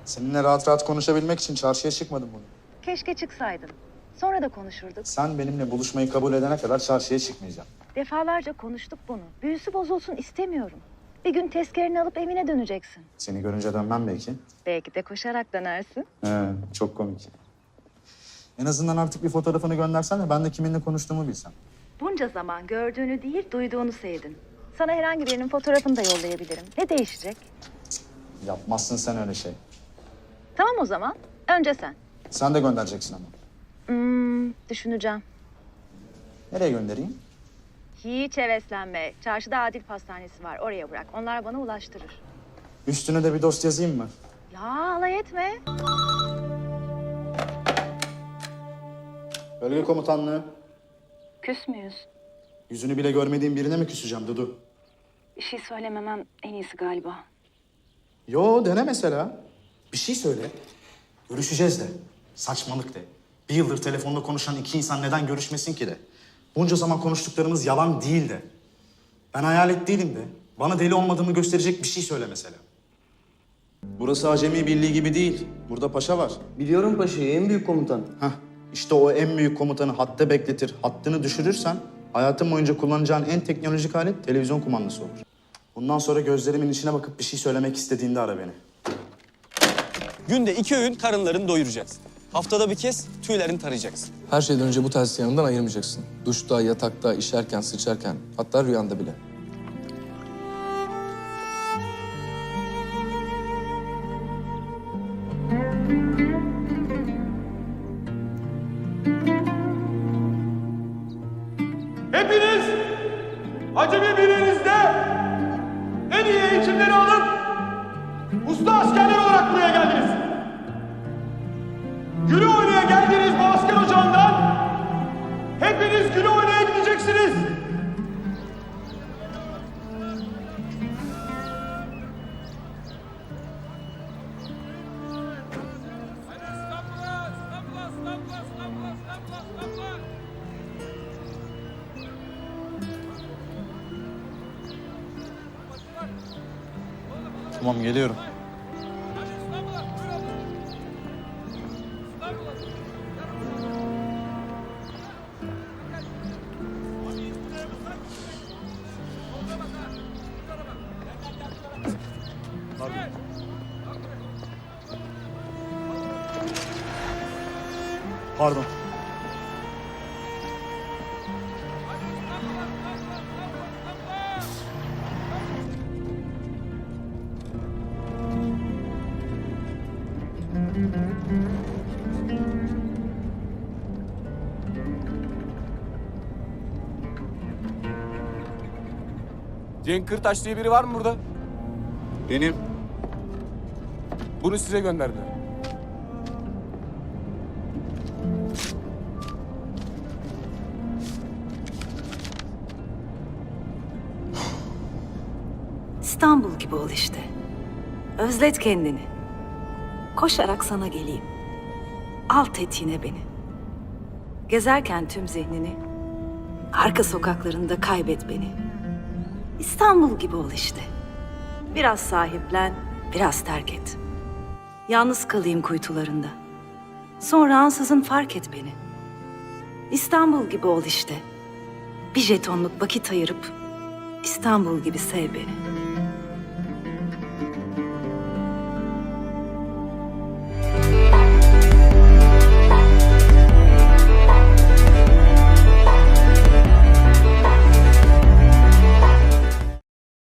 Seninle rahat rahat konuşabilmek için çarşıya çıkmadım bugün. Keşke çıksaydın. Sonra da konuşurduk. Sen benimle buluşmayı kabul edene kadar çarşıya çıkmayacağım. Defalarca konuştuk bunu. Büyüsü bozulsun istemiyorum. Bir gün tezkereni alıp evine döneceksin. Seni görünce dönmem belki. Belki de koşarak dönersin. Çok komik. En azından artık bir fotoğrafını göndersen de ben de kiminle konuştuğumu bilsem. Bunca zaman gördüğünü değil, duyduğunu sevdin. Sana herhangi birinin fotoğrafını da yollayabilirim. Ne değişecek? Yapmazsın sen öyle şey. Tamam o zaman. Önce sen. Sen de göndereceksin ama. Düşüneceğim. Nereye göndereyim? Hiç heveslenme. Çarşıda Adil Pastanesi var. Oraya bırak. Onlar bana ulaştırır. Üstüne de bir dost yazayım mı? Ya alay etme. Bölge komutanlığı. Küs müyüz? Yüzünü bile görmediğim birine mi küseceğim Dudu? Bir şey söylememem en iyisi galiba. Yo, dene mesela. Bir şey söyle. Görüşeceğiz de. Saçmalık de. Bir yıldır telefonda konuşan iki insan neden görüşmesin ki de. Bunca zaman konuştuklarımız yalan değil de. Ben hayalet değilim de. Bana deli olmadığımı gösterecek bir şey söyle mesela. Burası Acemi Birliği gibi değil. Burada paşa var. Biliyorum paşayı, en büyük komutan. İşte o en büyük komutanı hatta bekletir, hattını düşürürsen hayatın boyunca kullanacağın en teknolojik alet televizyon kumandası olur. Bundan sonra gözlerimin içine bakıp bir şey söylemek istediğinde ara beni. Günde 2 öğün karınlarını doyuracaksın. Haftada bir kez tüylerini tarayacaksın. Her şeyden önce bu telsizi yanından ayırmayacaksın. Duşta, yatakta, işerken, sıçarken, hatta rüyanda bile. Hepiniz Acemi Birliği'nizde en iyi eğitimleri alıp usta askerler olarak buraya geldiniz. Güle oynaya geldiğiniz bu asker ocağından hepiniz güle oynaya gideceksiniz. Tamam, geliyorum. Pardon. Cenk Kırtaş diye biri var mı burada? Benim. Bunu size gönderdiler. İstanbul gibi ol işte. Özlet kendini. Koşarak sana geleyim. Al tetiğine beni. Gezerken tüm zihnini, arka sokaklarında kaybet beni. İstanbul gibi ol işte. Biraz sahiplen, biraz terk et. Yalnız kalayım kuytularında. Sonra ansızın fark et beni. İstanbul gibi ol işte. Bir jetonluk vakit ayırıp İstanbul gibi sev beni.